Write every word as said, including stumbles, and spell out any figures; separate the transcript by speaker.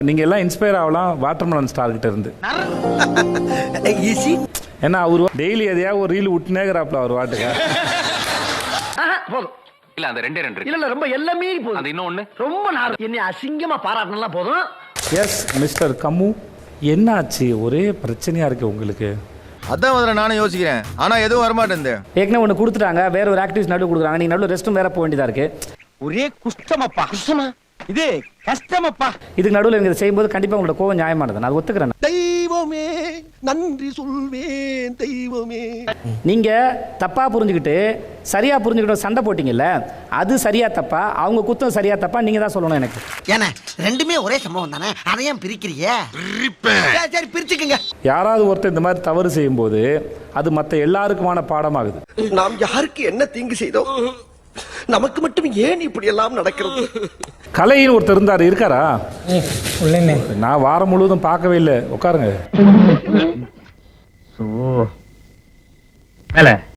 Speaker 1: நீங்க எல்லாம் இன்ஸ்பயர் ஆகலாம் வாட்டர்மெலன் ஸ்டார் கிட்ட இருந்து. ஏன்னா அவரு டெய்லி எதையாவது ஒரு ரீல் விட்டுனேங்கிறாப்ல அவர் வாட்டுக்க.
Speaker 2: போதும்
Speaker 3: இல்ல அந்த ரெண்டே ரெண்டு
Speaker 2: இல்ல இல்ல ரொம்ப எல்லாமே போதும்.
Speaker 3: அது இன்னொன்னு
Speaker 2: ரொம்ப நாள் என்னை அசிங்கமா பாராட்டினா போதும்.
Speaker 1: எஸ் மிஸ்டர் கம்மு, என்னாச்சு? ஒரே பிரச்சனையா இருக்கு உங்களுக்கு?
Speaker 4: அதான் முதல்ல நானும் யோசிக்கிறேன், ஆனா எதுவும் வரமாட்டேன்.
Speaker 5: ஏற்கனவே ஒன்று கொடுத்துட்டாங்க, வேற ஒரு ஆக்டிவிஸ் நடுவு கொடுக்குறாங்க, நீங்க நடுவில் ரெஸ்ட்டும் வேற போக வேண்டியதா இருக்கு.
Speaker 2: ஒரே குஷ்டமப்பா. குஷ்டமா இது கஷ்டமப்பா.
Speaker 5: இதுக்கு நடுவில் இதை செய்யும்போது கண்டிப்பா உங்களோட கோவம் நியாயமானது, நான் ஒத்துக்கிறேன்.
Speaker 6: தெய்வமே நன்றி சொல்வேன் தெய்வமே.
Speaker 5: நீங்க தப்பா புரிஞ்சுக்கிட்டு சரியா புரிஞ்சுக்கிட்டு சண்டை போட்டீங்கல்ல, அது சரியா தப்பா? அவங்க குத்தம் சரியா தப்பா நீங்க தான் சொல்லணும் எனக்கு.
Speaker 6: ஏன்னா ரெண்டுமே ஒரே சம்பவம் தானே, அதையும் பிரிக்கிறீங்க? சரி பிரிச்சுக்கங்க.
Speaker 1: யாராவது ஒருத்தர் இந்த மாதிரி தவறு செய்யும் போது அது மற்ற எல்லாருக்குமான பாடமாகுது.
Speaker 6: நாம் யாருக்கு என்ன தீங்கு செய்தோம், நமக்கு மட்டும் ஏன் இப்படி எல்லாம் நடக்கிறது?
Speaker 1: கலையின் ஒருத்தர் இருந்தாரு, இருக்காரா? நான் வாரம் முழுவதும் பார்க்கவே இல்லை. உட்காருங்க.
Speaker 7: மேல